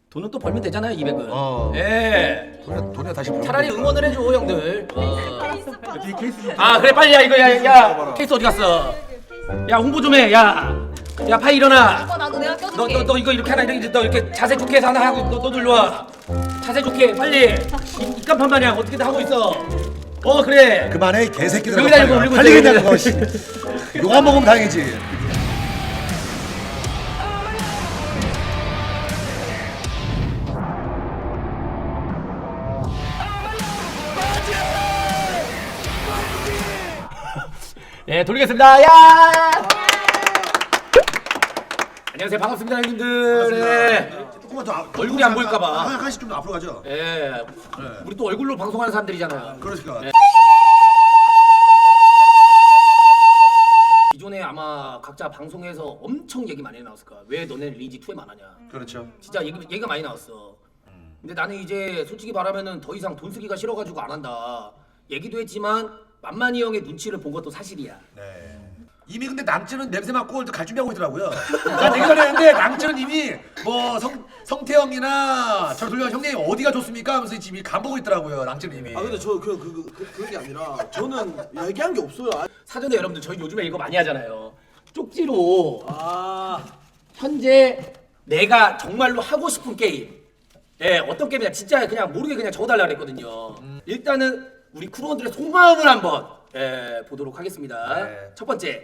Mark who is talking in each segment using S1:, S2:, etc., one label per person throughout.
S1: 돈은 또 벌면 되잖아요 200은.
S2: 어.
S1: 예.
S2: 돈에 다시 벌.
S1: 차라리 응원을 해줘 형들.
S3: 뒤에 케이스
S1: 아 그래 빨리 야 이거 야 케이스 어디 갔어? 야 홍보 좀 해. 야 파이 일어나.
S4: 나도 내가 껴줄게.
S1: 너 이거 이렇게 하나 이렇게 너 이렇게 자세 좋게 해서 하나 하고 너도 일로 와. 자세 좋게 빨리. 입간판 마냥 어떻게든 하고 있어. 그래.
S2: 그만해 이 개새끼들.
S1: 여기다 이거 올리고 있어,
S2: 팔리겠냐
S1: 여기다.
S2: 그거. 씨. 욕안 먹으면 다행이지.
S1: 예 돌리겠습니다. 야. 안녕하세요 반갑습니다 형님들. 예.
S2: 조금만 더
S1: 얼굴이 안 보일까봐.
S2: 한 칸씩 좀 앞으로 가죠.
S1: 예. 우리 또 얼굴로 방송하는 사람들이잖아요.
S2: 그러니까.
S1: 네. 기존에 아마 각자 방송에서 엄청 얘기 많이 나왔을 거야. 왜 너네 리니지 2에 안 하냐.
S2: 그렇죠.
S1: 진짜 얘기가 많이 나왔어. 근데 나는 이제 솔직히 말하면은 더 이상 돈 쓰기가 싫어가지고 안 한다. 얘기도 했지만 만만이 형의 눈치를 본 것도 사실이야.
S2: 네. 이미 근데 남친은 냄새 맡고 갈 준비하고 있더라고요. 난 얘기 전했는데 남친은 이미 뭐 성태형이나 저 돌려 형님 어디가 좋습니까 하면서 지금 간 보고 있더라고요. 남친은 이미.
S3: 아 근데 저 그게 아니라 저는 얘기한 게 없어요.
S1: 사전에 여러분들 저희 요즘에 이거 많이 하잖아요. 쪽지로
S3: 아
S1: 현재 내가 정말로 하고 싶은 게임. 예, 어떤 게임이냐 진짜 그냥 모르게 그냥 적어달라 그랬거든요. 일단은 우리 크루원들의 속마음을 한번 보도록 하겠습니다.
S2: 네.
S1: 첫 번째.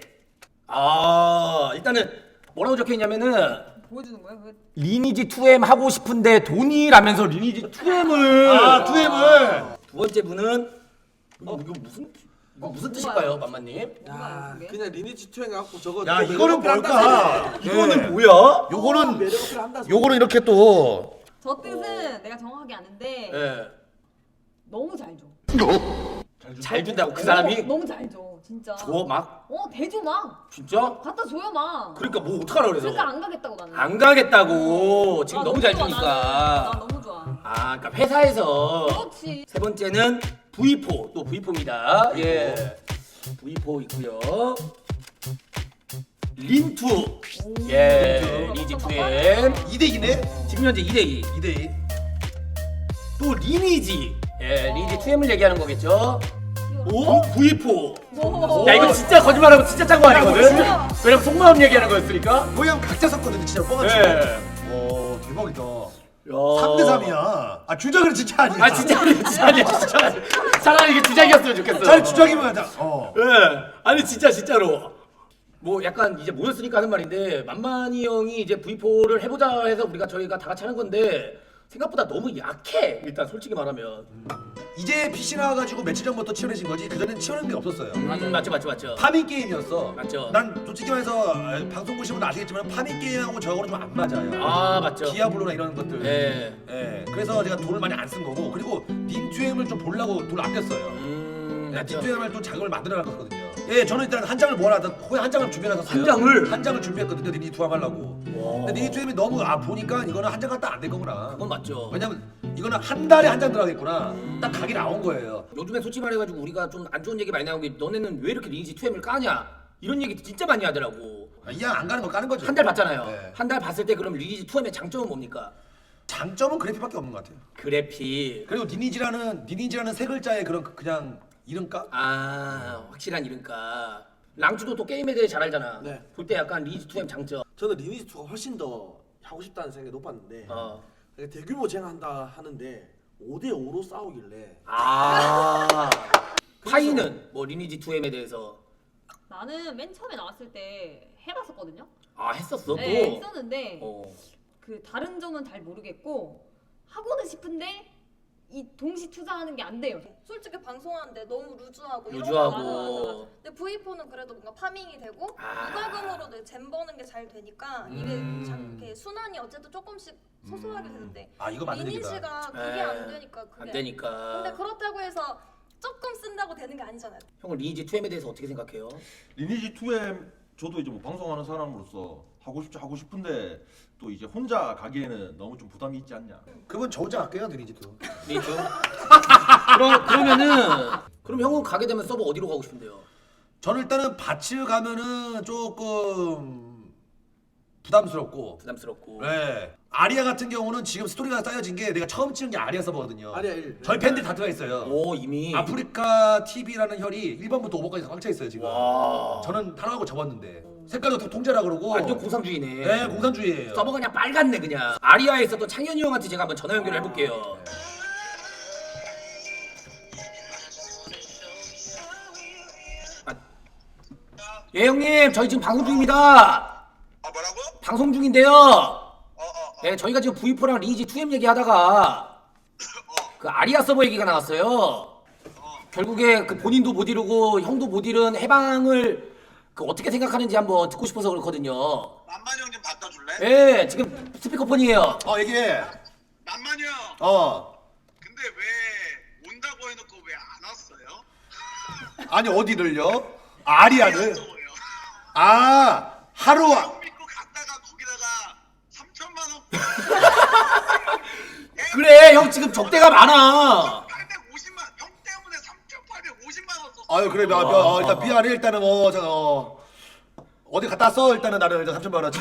S1: 일단은 뭐라고 적혀있냐면은
S4: 보여주는 거야? 그
S1: 리니지 2M 하고 싶은데 돈이라면서 리니지 2M을
S2: 2M을.
S1: 두 번째 분은 이거 무슨 뜻일까요, 맘마님?
S3: 야, 그냥 리니지 투행 갖고 저거.
S2: 야 이거는 뭘까?
S1: 이거는 뭐야?
S2: 요거는
S3: 매력 어필 한다.
S2: 요거는 이렇게 또
S4: 저 뜻은 내가 정확하게 아는데
S1: 예.
S4: 너무 잘 줘.
S1: 잘 준다고 그 사람이
S4: 너무 잘 줘. 진짜.
S1: 줘 막?
S4: 대줘 막.
S1: 진짜?
S4: 갖다 줘요 막.
S1: 그러니까 뭐 어떡하라 그래서?
S4: 그러니까 안 가겠다고 나는.
S1: 안 가겠다고 지금
S4: 아,
S1: 너무 잘
S4: 좋아,
S1: 주니까.
S4: 나 너무 좋아.
S1: 그러니까 회사에서
S4: 그렇지.
S1: 세 번째는 V4 또 V4입니다. 예, V4 있고요. 린투. 예, 리니지 2M
S2: 2대2네?
S1: 지금 현재 2대2.
S2: 2대2.
S1: 또 리니지. 예, 리니지 2M을 얘기하는 거겠죠.
S4: 오?
S1: V4.
S4: 오.
S1: 야 이거 진짜 거짓말하고 진짜 짠 거 아니거든? 왜냐면 속마음 얘기하는 거였으니까.
S2: 거의 한 각자 섰거든요 진짜 뻥같이.
S1: 예.
S2: 오 대박이다.
S1: 야.
S2: 3대3이야. 아 주작은 진짜 아니야.
S1: 진짜 아니야 진짜 아니야 진짜 아니야. 차라리 이게 주작이었으면 좋겠어.
S2: 차라리 주작이면 하자.
S1: 예. 아니 진짜로. 뭐 약간 이제 모였으니까 하는 말인데 만만이 형이 이제 V4를 해보자 해서 저희가 다 같이 하는 건데 생각보다 너무 약해. 일단 솔직히 말하면.
S2: 이제 PC 나와가지고 며칠 전부터 치열해진 거지. 그전엔 치열한 게 없었어요.
S1: 맞죠.
S2: 파밍 게임이었어.
S1: 맞죠.
S2: 난 솔직히 말해서 방송 보시면 아시겠지만 파밍 게임하고 저거는 좀 안 맞아요.
S1: 맞죠.
S2: 디아블로나 이런 것들.
S1: 예.
S2: 예. 그래서 제가 돈을 많이 안 쓴 거고 그리고 닌투엠을 좀 보려고 돈을 아꼈어요.
S1: 맞죠.
S2: 닌투엠을 또 자금을 만들어 놨거든요. 예, 저는 일단 한 장을 모아놨다. 거의 한 장을 준비해놨었어요.
S1: 한 장을?
S2: 한 장을 준비했거든요. 닌투엠 하려고. 근데 닌투엠이 너무 보니까 이거는 한 장 갖다 안 될 거구나.
S1: 그건 맞죠.
S2: 왜냐면 이거는 한 달에 한 장 들어가겠구나. 딱 각이 나온 거예요.
S1: 요즘에 솔직히 말해가지고 우리가 좀 안 좋은 얘기 많이 나오는 게 너네는 왜 이렇게 리니지 2M을 까냐 이런 얘기 진짜 많이 하더라고.
S2: 이왕 안 가는 거 까는 거죠.
S1: 한 달 봤잖아요.
S2: 네.
S1: 한 달 봤을 때 그럼 리니지 2M의 장점은 뭡니까?
S2: 장점은 그래픽밖에 없는 것 같아요.
S1: 그래픽.
S2: 그리고 니니지라는 세 글자의 그냥 이름값?
S1: 확실한 이름값. 랑주도 또 게임에 대해 잘 알잖아.
S3: 네.
S1: 볼 때 약간 리니지 2M 장점.
S3: 저는 리니지 2가 훨씬 더 하고 싶다는 생각이 높았는데 대규모 쟁한다 하는데 5대5로 싸우길래
S1: 파이는 뭐 리니지 2M에 대해서
S4: 나는 맨 처음에 나왔을 때 해봤었거든요.
S1: 했었어 또.
S4: 네, 했었는데
S1: 어.
S4: 그 다른 점은 잘 모르겠고 하고는 싶은데 이 동시 투자하는 게 안 돼요.
S5: 솔직히 방송하는데 너무 루즈하고
S1: 루즈하고.
S5: 이런 거 맞아. 근데 V4는 그래도 뭔가 파밍이 되고 무과금으로도 잼 버는 게 잘 되니까 이게 참 이렇게 순환이 어쨌든 조금씩 소소하게 되는데
S2: 이거 맞는 얘기다.
S5: 리니지가 그게 안 되니까 그게
S1: 안 되니까.
S5: 근데 그렇다고 해서 조금 쓴다고 되는 게 아니잖아요.
S1: 형은 리니지 2M에 대해서 어떻게 생각해요?
S6: 리니지 2M 저도 이제 뭐 방송하는 사람으로서 하고 싶은데 또 이제 혼자 가기에는 너무 좀 부담이 있지 않냐.
S2: 그분 저 혼자 갈게요, 니니지도.
S1: 리니지. 그럼 형은 가게 되면 서버 어디로 가고 싶은데요?
S2: 저는 일단은 밭을 가면은 조금 부담스럽고.
S1: 네.
S2: 아리아 같은 경우는 지금 스토리가 짜여진 게 내가 처음 찍은 게 아리아 서버거든요.
S3: 아리아 1.
S2: 저희 팬들 다 들어가 있어요.
S1: 오 이미.
S2: 아프리카 TV라는 혈이 1번부터 5번까지 꽉 차 있어요 지금.
S1: 와.
S2: 저는 타락하고 접었는데 색깔도 다 통제라 그러고.
S1: 완전 공산주의네.
S2: 네, 공산주의예요.
S1: 서버가 그냥 빨갛네 그냥. 아리아에 있었던 창현이 형한테 제가 한번 전화 연결을 해볼게요. 예 형님 저희 지금 방송 중입니다.
S7: 뭐라고?
S1: 방송 중인데요. 네 저희가 지금 V4랑 리니지 2M 얘기하다가 그 아리아 서버 얘기가 나왔어요. 결국에 그 본인도 못 이루고 형도 못 이룬 해방을 그 어떻게 생각하는지 한번 듣고 싶어서 그렇거든요.
S7: 만만이 형 좀 갖다 줄래?
S1: 예 지금 스피커폰이에요.
S2: 얘기해.
S7: 만만이 형. 근데 왜 온다고 해놓고 왜 안 왔어요?
S2: 아니 어디를요? 아리아를.
S7: 서버요.
S2: 하루
S7: 형 믿고 갔다가 거기다가 3천만 원.
S2: 그래 형 지금 적대가 많아.
S7: 850만 형 때문에 3,850만 원 썼어.
S2: 아유 그래 일단 미안해 일단은 어디 갖다 써 일단은 나는 일단 3천만 원어치.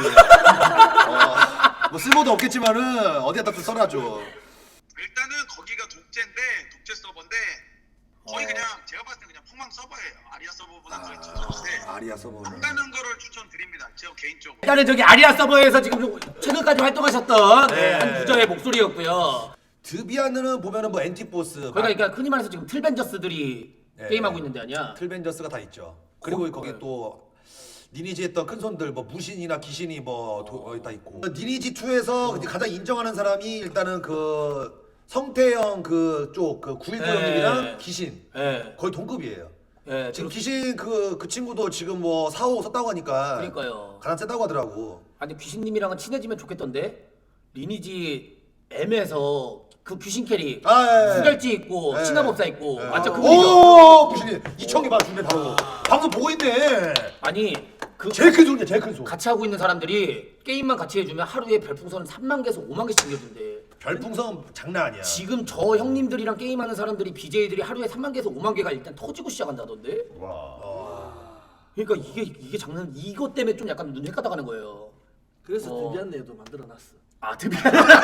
S2: 뭐 쓸모도 없겠지만은 어디 갖다 좀 써놔줘.
S7: 일단은 거기가 독재인데 독재 서버인데 거의 그냥 제가 봤을 때 그냥 폭망 서버예요. 아리아 서버보다 더 진짜인데
S2: 아리아 서버는.
S7: 안 가는 거를 추천드립니다. 제가 개인적으로.
S1: 일단은 저기 아리아 서버에서 지금 최근까지 활동하셨던
S2: 네.
S1: 한 유저의 목소리였고요.
S2: 드비아느는 보면은 뭐 엔티보스.
S1: 그러니까 흔히 말해서 지금 틀벤저스들이
S2: 네.
S1: 게임하고 있는데 아니야?
S2: 틀벤저스가 다 있죠. 그리고 거기 또 니니지 했던 큰 손들 뭐 무신이나 귀신이 다 있고. 니니지 2에서 가장 인정하는 사람이 일단은 그 성태형 그쪽 그 919
S1: 네.
S2: 형님이랑 귀신
S1: 예.
S2: 거의 동급이에요.
S1: 예.
S2: 지금 귀신 그 친구도 지금 뭐 4호 썼다고 하니까
S1: 그러니까요.
S2: 가장 세다고 하더라고.
S1: 아니 귀신님이랑은 친해지면 좋겠던데 리니지 M에서 그 귀신 캐릭
S2: 예.
S1: 수결지 있고
S2: 예.
S1: 신화법사 있고
S2: 예.
S1: 완전 그분이죠.
S2: 오 귀신이 이청이 봐 준대 바로. 방송 보고 있네.
S1: 아니 그
S2: 제일 큰 손이야 제일 큰 손.
S1: 같이 하고 있는 사람들이 게임만 같이 해주면 하루에 별풍선을 3만 개에서 5만 개씩 챙겨준대.
S2: 별풍선 장난 아니야.
S1: 지금 저 형님들이랑 게임하는 사람들이 BJ들이 하루에 3만 개에서 5만 개가 일단 터지고 시작한다던데. 그러니까 이게 장난 이것 때문에 좀 약간 눈 헷가다 가는 거예요.
S3: 그래서 드비안네도 만들어놨어.
S1: 아 드비아.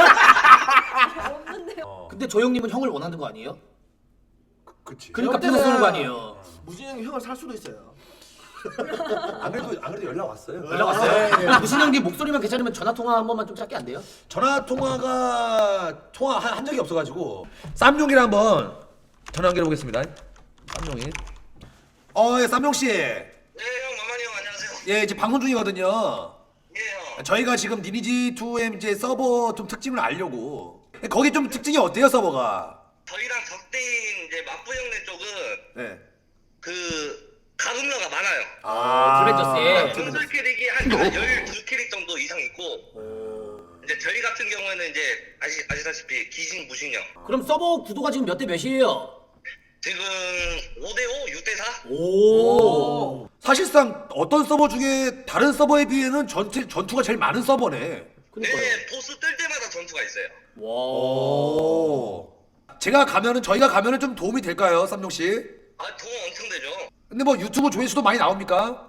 S5: 없는데요.
S1: 근데 저 형님은 형을 원하는 거 아니에요?
S2: 그치.
S1: 그러니까
S3: 그때는
S1: 피서 쓰는 거 아니에요.
S3: 무슨 형이 형을 살 수도 있어요.
S2: 안 그래도 연락 왔어요.
S1: 연락 왔어요? 그럼 무슨 형님 목소리만 괜찮으면 전화 통화 한 번만 좀 짧게 안 돼요?
S2: 전화 통화한 적이 없어가지고 쌈용이랑 한번 전화 연결해 보겠습니다. 쌈용이. 예, 쌈용 씨.
S7: 네 형 만만이 형 안녕하세요.
S2: 예, 이제 방송 중이거든요.
S7: 예 형.
S2: 저희가 지금 니니지 2의 이제 서버 좀 특징을 알려고. 거기 좀 특징이 어때요 서버가?
S7: 저희랑 적대인 이제 맞부 형네 쪽은
S2: 네.
S7: 그 가금러가 많아요.
S1: 트렌저스에.
S7: 전술 캐릭이 한 12캐릭 정도 이상 있고 이제 저희 같은 경우에는 이제 아시다시피 귀신 무신형
S1: 그럼 서버 구도가 지금 몇 대 몇이에요?
S7: 지금 5대5 6대4
S1: 오.
S2: 사실상 어떤 서버 중에 다른 서버에 비해는 전투가 제일 많은 서버네.
S1: 그러니까요.
S7: 네 보스 뜰 때마다 전투가 있어요.
S1: 와.
S2: 오. 저희가 가면은 좀 도움이 될까요, 쌈용 씨?
S7: 도움 엄청 되죠.
S2: 근데 뭐 유튜브 조회수도 많이 나옵니까?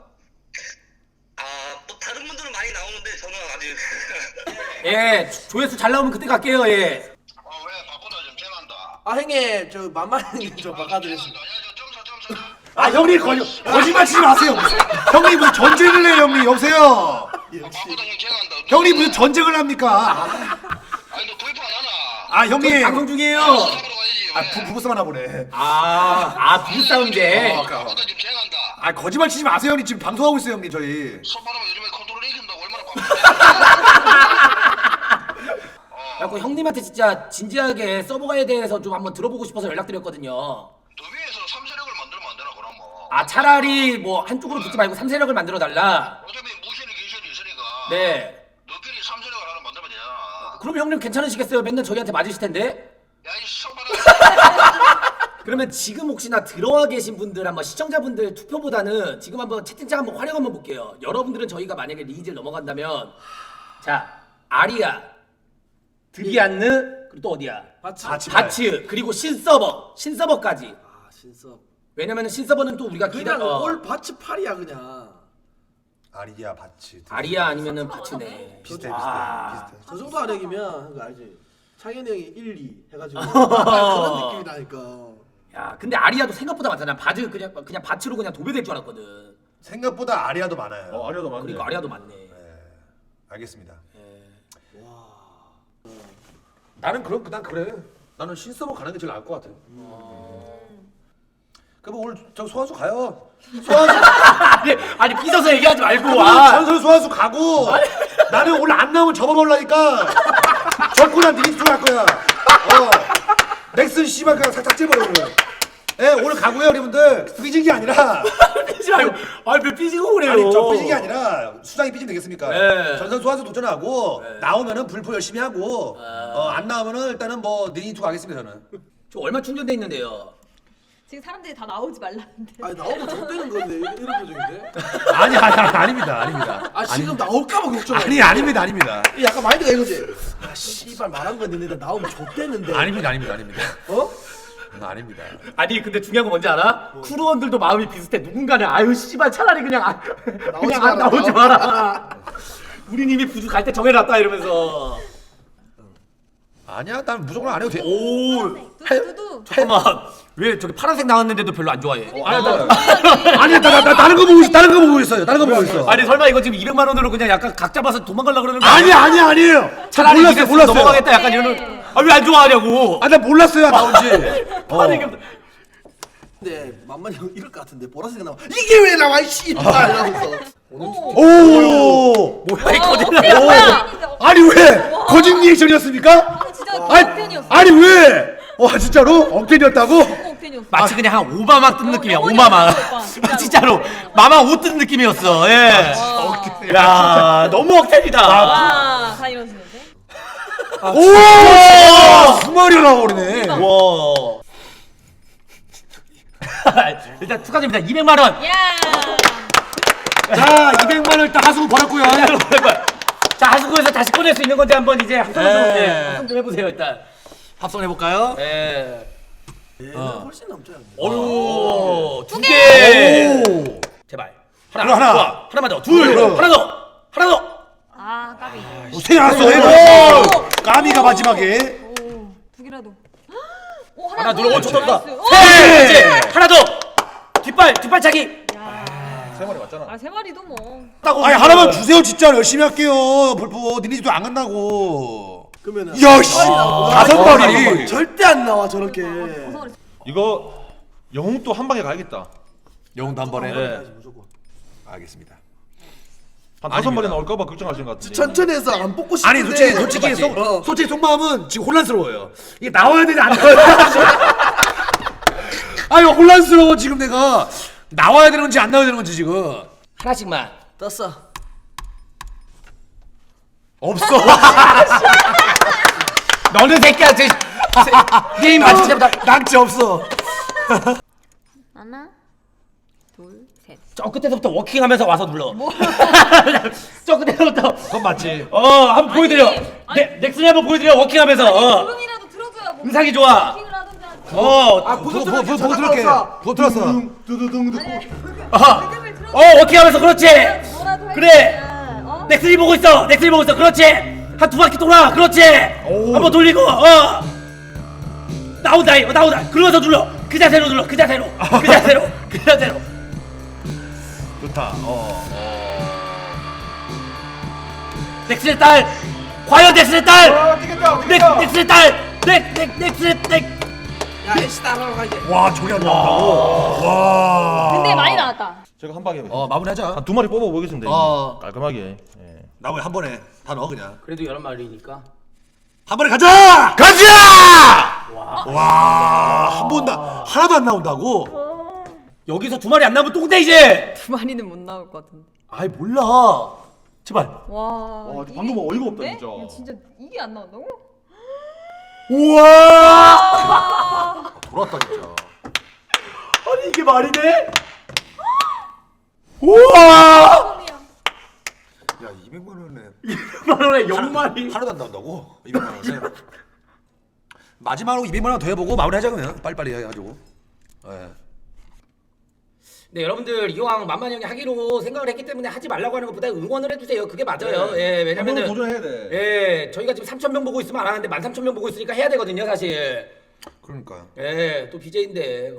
S7: 뭐 다른 분들은 많이 나오는데 저는 아직
S1: 예, 조회수 잘 나오면 그때 갈게요. 예.
S7: 왜 바쁘다 좀 죄송한다.
S3: 형님 저 만만히 좀 바꿔드렸습니다.
S2: 아 형님 거짓말 치지 마세요. 형님 무슨 전쟁을 해요 형님 여보세요.
S7: 바쁘다 형 죄송한다.
S2: 형님 무슨 전쟁을 합니까?
S7: 아니 너 구입 안 하나?
S2: 아 형님.
S1: 방송 중이에요.
S7: 가야지.
S2: 부부싸움 하나 보네.
S1: 부부싸움인데.
S7: 바쁘다 좀 죄송한다.
S2: 아 거짓말 치지 마세요 형님 지금 방송하고 있어요 형님 저희.
S7: 손바닥 요즘에 컨트롤 이긴다고 얼마나 바쁜데.
S1: 그래갖고 형님한테 진짜 진지하게 서버에 대해서 좀 한번 들어보고 싶어서 연락드렸거든요.
S7: 더비에서 3세력을 만들면 안 되나 그럼 뭐.
S1: 차라리 뭐 한쪽으로 붙지 말고 3세력을 만들어 달라.
S7: 어차피 무신이 귀신이 있으니까.
S1: 네.
S7: 너끼리 3세력을 하나 만들면 되잖아.
S1: 그럼 형님 괜찮으시겠어요? 맨날 저희한테 맞으실 텐데.
S7: 야이 손바닥.
S1: 그러면 지금 혹시나 들어와 계신 분들 한번 시청자분들 투표보다는 지금 한번 채팅창 한번 활용 한번 볼게요. 여러분들은 저희가 만약에 리니지를 넘어간다면 자 아리아, 드비안느 그리고 또 어디야? 바츠 그리고 신서버까지.
S3: 신섭.
S1: 왜냐면은 신서버는 또 우리가
S3: 그냥 올 바치 팔이야 그냥.
S2: 아리아 바츠.
S1: 아리아 아니면은 바츠네.
S2: 비슷해
S1: 아.
S2: 비슷해.
S3: 저 정도 아력이면 그거 알지? 창현이 형이 1, 2 해가지고 그런 느낌이 나니까.
S1: 야, 근데 아리아도 생각보다 많잖아. 바즈 그냥 바츠로 그냥 도배될 줄 알았거든.
S2: 생각보다 아리아도 많아요.
S6: 아리아도 많네.
S1: 그러니까 아리아도 많네.
S2: 네, 알겠습니다.
S1: 예.
S2: 나는 난 그래. 나는 신서버 가는 게 제일 나을 것 같아. 그럼 오늘 저 소환수 가요. 소환수
S1: 아니 삐져서 얘기하지 말고.
S2: 전설 소환수 가고 나는 오늘 안 나오면 접어버리니까 절구난 니네 들어갈 거야. 넥슨 씨발 그냥 싹 째버려 오늘. 예, 오늘 가고요 여러분들. 삐진 게 아니라
S1: 삐지 말고. 아니 왜 삐지고 그래요?
S2: 아니 저 삐진 게 아니라 수장이 삐지면 되겠습니까?
S1: 네.
S2: 전선 소환수 도전하고
S1: 네.
S2: 나오면은 불포 열심히 하고 안 나오면은 일단은 뭐 니네 투 가겠습니다 저는.
S1: 저 얼마 충전돼 있는데요?
S4: 지금 사람들이 다 나오지 말라는데.
S3: 아니 나오면 좆되는 건데 이런 표정인데?
S2: 아닙니다.
S3: 아 지금 나올까봐 걱정.
S2: 아닙니다.
S3: 약간 마인드가 이거지. 아 씨발 말한 건 있는데 나오면 좆되는데.
S2: 아닙니다.
S3: 어?
S2: 아닙니다.
S1: 아니 근데 중요한 거 뭔지 알아? 쿠루원들도 마음이 비슷해. 누군가는 아유 씨발 차라리 그냥 안 나오지 마라. 우린 이미 부주 갈 때 정해놨다 이러면서.
S2: 아니야, 난 무조건 안 해도 돼.
S1: 오.
S4: 두두.
S1: 잠깐만. 왜 저기 파란색 나왔는데도 별로 안 좋아해?
S2: 아니, 나 다른 거 보고 있어요.
S1: 아니 설마 이거 지금 200만 원으로 그냥 약간 각 잡아서 도망가려고 그러는 거
S2: 아니에요.
S1: 차라리
S2: 몰랐어요.
S1: 몰랐어요. 넘어가겠다 약간 이러는. 아 왜 안 좋아하냐고.
S2: 나 몰랐어요, 나온지.
S3: 근데 만만히 형 이럴 것 같은데 보라색 나와. 이게 왜 나와 이 씨발 이러면서.
S2: 오!
S1: 뭐야 이 거짓말.
S2: 아니 왜? 거짓 리액션이었습니까?
S4: 진짜 억텐이었어.
S2: 아니 왜? 와 진짜로? 억텐이었다고?
S4: 억텐이었어.
S1: 마치 그냥 한 오바마 뜬 느낌이야. 오바마. 진짜로 마마 옷 뜬 느낌이었어. 예. 야 너무 억텐이다.
S4: 와, 다 이러시는데?
S2: 오! 수마리가 나와버리네.
S1: 와. 일단 축하드립니다. 200만 원.
S4: 야.
S2: 자, 200만 원 일단 하수구 벌었고요.
S1: 자 하수구에서 다시 꺼낼 수 있는 건데 한번 이제 합성
S2: 네.
S1: 합성 좀 해보세요 일단.
S2: 합성해 볼까요?
S1: 예.
S3: 얘는 훨씬 넘죠 형.
S1: 어유 두 개.
S2: 오!
S1: 제발.
S2: 그럼 하나.
S1: 좋아. 하나만 더. 둘.
S2: 그럼.
S1: 하나 더.
S4: 아, 까비.
S2: 세 알았어. 까미가 마지막에.
S4: 오, 두 개라도. 오,
S1: 하나 둘. 오 좋다.
S4: 나이스. 오!
S1: 셋. 하나 더. 뒷발차기.
S4: 야.
S6: 세 마리 맞잖아.
S4: 아, 세 마리도 뭐.
S2: 아니 하나만 주세요 진짜 열심히 할게요. 불포 니네 집도 안 간다고.
S3: 그러면은.
S2: 야 씨. 다섯 마리.
S3: 절대 안 나와 저렇게.
S4: 고소리.
S6: 이거 영웅도 한 방에 가야겠다.
S2: 영웅도 한 번에.
S6: 네.
S3: 무조건.
S2: 알겠습니다.
S6: 한 5마리 나올까봐 걱정하시는 것 같은데.
S3: 천천히 해서 안 뽑고 싶은데.
S2: 아니 솔직히
S3: 맞지?
S2: 솔직히 속마음은 지금 혼란스러워요. 이게 나와야 되지 안 나와야 되지. 아니 혼란스러워 지금 내가 나와야 되는 건지 안 나와야 되는 건지 지금.
S1: 하나씩만.
S3: 떴어.
S2: 없어.
S1: 너는 새끼야. 게임 맞지 잡다.
S2: 낙지 없어.
S4: 하나, 둘, 셋.
S1: 저 끝에서부터 워킹하면서 와서 눌러. 저 끝에서부터.
S2: 그건 맞지.
S1: 한번 보여드려.
S4: 아니.
S1: 넥슨이 한번 보여드려. 워킹하면서.
S4: 부름이라도 들어줘야 뭐.
S1: 음상이 좋아.
S4: 킹을 하든지 하든지.
S2: 보고 들을게. 보고 들었어.
S3: 두두둥.
S1: 워킹하면서 그렇지.
S4: 뭐라도 할
S1: 그래.
S4: 거야. 어?
S1: 넥슨이 보고 있어. 그렇지. 한 두 바퀴 돌아. 그렇지. 한번 돌리고. 나온다. 그러면서 눌러. 그 자세로 눌러. 그 자세로.
S2: 좋다.
S1: 넥슨의 딸. 과연 넥슨의 딸.
S6: 뛰겠다.
S1: 넥슨의 딸. 넥슨의
S3: 야 애쉬 따라로 가 이제.
S2: 와 저게 안 나온다고. 와.
S4: 근데 많이 나왔다.
S6: 제가 한 방에
S2: 마무리하자.
S6: 한 2마리 뽑아보겠습니다. 깔끔하게. 예.
S2: 나머지 한 번에 다 넣어 그냥.
S1: 그래도 11마리니까.
S2: 한 번에 가자. 와. 한 번 다 하나도 안 나온다고?
S1: 여기서 2마리 안 나오면 똥돼 이제.
S4: 두 마리는 못 나올 것 같은데.
S1: 아이 몰라. 제발.
S4: 와.
S6: 방금 어이가 없다,
S4: 있는데?
S6: 진짜.
S4: 야, 진짜 이게 안 나온다고?
S1: 우와.
S2: 돌았다 진짜.
S1: 아니 이게 말이 돼? 우와.
S2: 야 200만 원에
S1: 200만 원에 0마리.
S2: 하나도 안 나온다고? 200만 원에. 마지막으로 200만 원 더 해보고 마무리하자 그러면 빨리빨리 해가지고. 예.
S1: 네, 여러분들 이왕 만만히 형이 하기로 생각을 했기 때문에 하지 말라고 하는 것보다 응원을 해주세요. 그게 맞아요. 예, 왜냐면은
S6: 도전해야 돼.
S1: 예, 저희가 지금 3,000명 보고 있으면 안 하는데 13,000명 보고 있으니까 해야 되거든요, 사실.
S2: 그러니까.
S1: 예, 또 BJ인데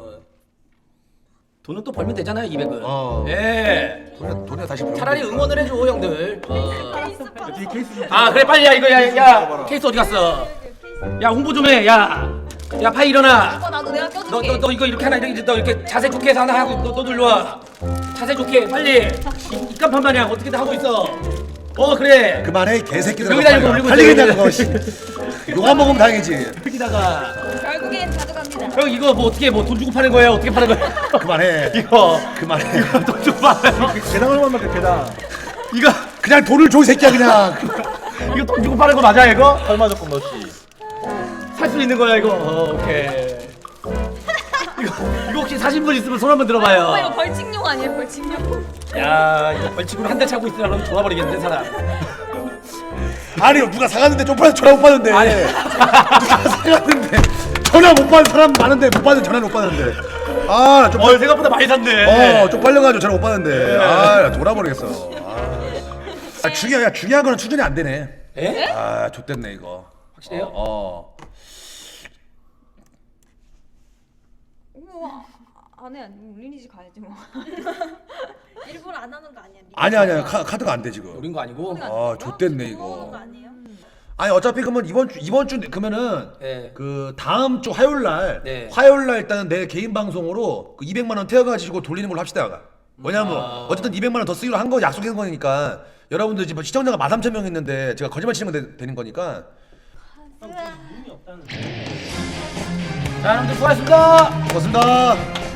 S1: 돈은 또 벌면 되잖아요, 200은. 예.
S2: 돈이나 다시 벌면
S1: 차라리
S2: 되니까.
S1: 응원을 해줘, 형들.
S5: 케이스 받았어.
S6: 뒤에 케이스 좀.
S1: 아, 그래 빨리 야 이거 야 케이스 어디 갔어? 야 홍보 좀 해, 야 파이 일어나.
S4: 오빠 나도 내가 껴줄게.
S1: 너 이거 이렇게 하나 이렇게 너 이렇게 자세 좋게 해서 하나 하고 너도 일로 와. 자세 좋게 빨리. 입간판 마냥 어떻게든 하고 있어. 그래.
S2: 그만해 개새끼들.
S1: 여기다 이거 올리고
S2: 빨리
S1: 있어,
S2: 그냥
S1: 여기.
S2: 그거 씨. 욕안 먹으면 다행이지.
S1: 여기다가
S4: 결국엔 가져갑니다.
S1: 형 이거 뭐 어떻게 뭐 돈 주고 파는 거예요? 어떻게 파는 거예요?
S2: 그만해.
S1: 이거
S2: 그만해.
S1: 돈 주고 파요.
S6: 계단 얼마만큼 계단.
S1: 이거
S2: 그냥 돈을 줘 이 새끼야 그냥.
S1: 이거 돈 주고 파는 거 맞아 이거?
S6: 얼마 조금 넣지.
S1: 살 수 있는 거야 이거. 오케이. 이거 혹시 사신 분 있으면 손 한번 들어봐요.
S4: 오빠 이거 벌칙용 아니에요 벌칙용?
S1: 야 이거 벌칙으로 한 대 차고 있으면 그럼 돌아버리겠네 사람.
S2: 아니 누가 사갔는데 쪽팔려서 전화 못 받는데.
S1: 아니.
S2: 누가 사갔는데 전화 못 받는 사람 많은데 못 받는 전화 못 받는데. 아 좀.
S1: 생각보다 많이 샀네.
S2: 쪽팔려가지고 전화 못 받는데. 아 돌아버리겠어. 중요한 거는 추진이 안 되네.
S1: 에?
S2: 아 좆됐네 이거.
S1: 확실해요?
S4: 우와 안해 리니지 가야지 뭐.
S5: 일부러 안 하는 거 아니야?
S2: 아니야 카드가 안 돼 지금.
S1: 노린 거 아니고.
S2: 아 좆됐네
S5: 모으는 거
S2: 이거.
S5: 아니에요?
S2: 아니 어차피 그러면 이번 주 그러면은
S1: 네.
S2: 그 다음 주 화요일 날
S1: 네.
S2: 일단은 내 개인 방송으로 그 200만 원 태워가지고 돌리는 걸로 합시다. 왜냐면 어쨌든 200만 원 더 쓰기로 한 거 약속한 거니까 여러분들 지금 시청자가 13,000명 있는데 제가 거짓말 치는 건 되는 거니까.
S1: 자 여러분들 수고하셨습니다.
S2: 고맙습니다.